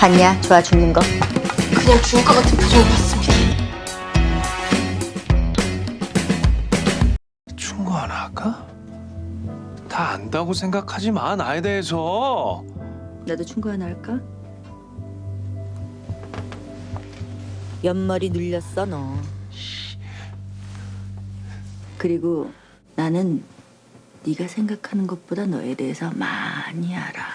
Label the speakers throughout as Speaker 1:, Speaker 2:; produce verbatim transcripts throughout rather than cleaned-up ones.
Speaker 1: 봤냐? 좋아 죽는 거.
Speaker 2: 그냥 죽을 것 같은 표정을 봤습니다.
Speaker 3: 충고 하나 할까? 다 안다고 생각하지 마, 나에 대해서.
Speaker 1: 나도 충고 하나 할까? 옆머리 눌렸어 너. 그리고 나는 네가 생각하는 것보다 너에 대해서 많이 알아.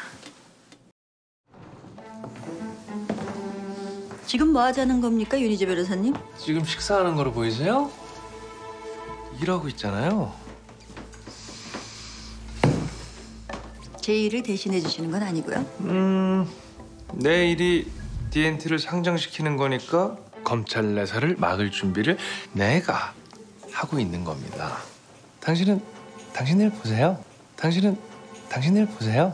Speaker 1: 지금 뭐 하자는 겁니까, 윤희재 변호사님?
Speaker 3: 지금 식사하는 거로 보이세요? 일하고 있잖아요.
Speaker 1: 제 일을 대신해 주시는 건 아니고요.
Speaker 3: 음, 내 일이 디엔티를 상장시키는 거니까 검찰 내사를 막을 준비를 내가 하고 있는 겁니다. 당신은 당신 일 보세요. 당신은 당신 일 보세요.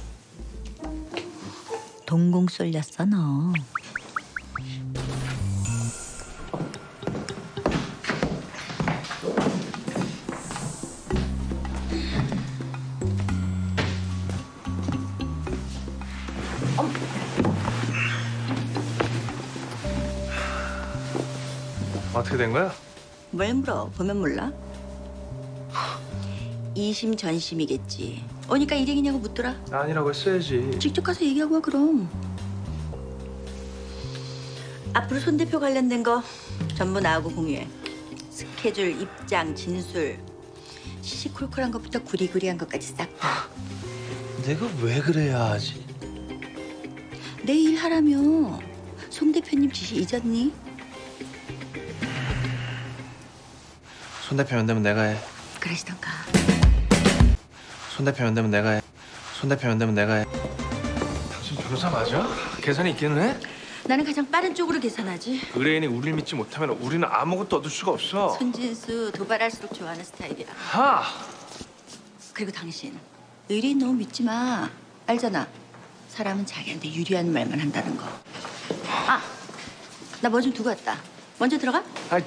Speaker 1: 동공 쏠렸어 너.
Speaker 3: 어떻게 된 거야?
Speaker 1: 뭘 물어? 보면 몰라? 이심 전심이겠지. 오니까 일행이냐고 묻더라.
Speaker 3: 아니라고 했어야지.
Speaker 1: 직접 가서 얘기하고 와 그럼. 앞으로 손 대표 관련된 거 전부 나하고 공유해. 스케줄, 입장, 진술, 시시콜콜한 것부터 구리구리한 것까지 싹 다.
Speaker 3: 내가 왜 그래야 하지?
Speaker 1: 내 일 하라며. 송 대표님 지시 잊었니?
Speaker 3: 손 대표 면되면 내가 해.
Speaker 1: 그러시던가.
Speaker 3: 손 대표 면되면 내가 해. 손 대표 면되면 내가 해. 당신 변호사 맞아? 계산이 있기는 해?
Speaker 1: 나는 가장 빠른 쪽으로 계산하지.
Speaker 3: 의뢰인이 우리를 믿지 못하면 우리는 아무것도 얻을 수가 없어.
Speaker 1: 손진수 도발할수록 좋아하는 스타일이야.
Speaker 3: 하!
Speaker 1: 그리고 당신 의뢰인 너무 믿지 마. 알잖아. 사람은 자기한테 유리한 말만 한다는 거. 아, 나 뭐 좀 두고 왔다. 먼저 들어가.
Speaker 3: 아이.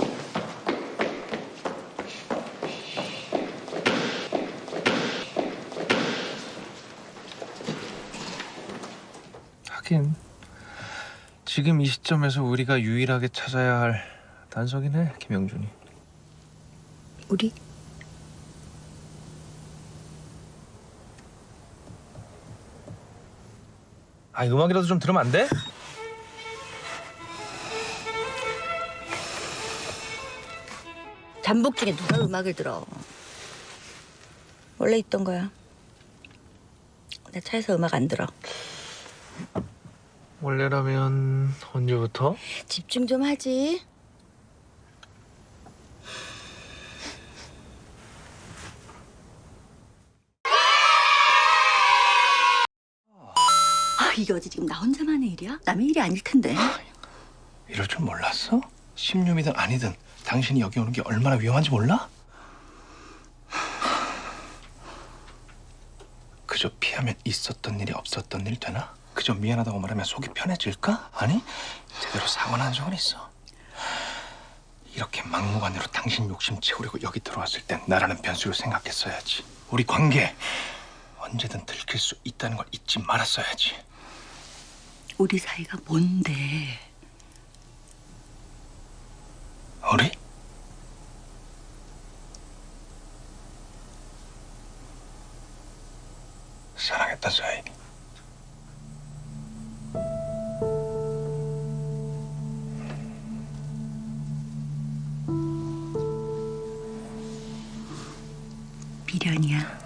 Speaker 3: 하긴 지금 이 시점에서 우리가 유일하게 찾아야 할 단서긴 해, 김영준이.
Speaker 1: 우리?
Speaker 3: 아, 음악이라도 좀 들으면 안 돼?
Speaker 1: 잠복 중에 누가 음악을 들어. 원래 있던 거야. 내 차에서 음악 안 들어.
Speaker 3: 원래라면 언제부터?
Speaker 1: 집중 좀 하지. 아, 이게 어제 지금 나 혼자만의 일이야? 남의 일이 아닐 텐데.
Speaker 3: 이럴 줄 몰랐어? 십류이든 아니든 당신이 여기 오는 게 얼마나 위험한지 몰라? 그저 피하면 있었던 일이 없었던 일 되나? 그저 미안하다고 말하면 속이 편해질까? 아니, 제대로 사고난 적은 있어. 이렇게 막무가내로 당신 욕심 채우려고 여기 들어왔을 땐 나라는 변수를 생각했어야지. 우리 관계 언제든 들킬 수 있다는 걸 잊지 말았어야지.
Speaker 1: 우리 사이가 뭔데?
Speaker 3: 우리? 사랑했던 사이.
Speaker 1: 미련이야.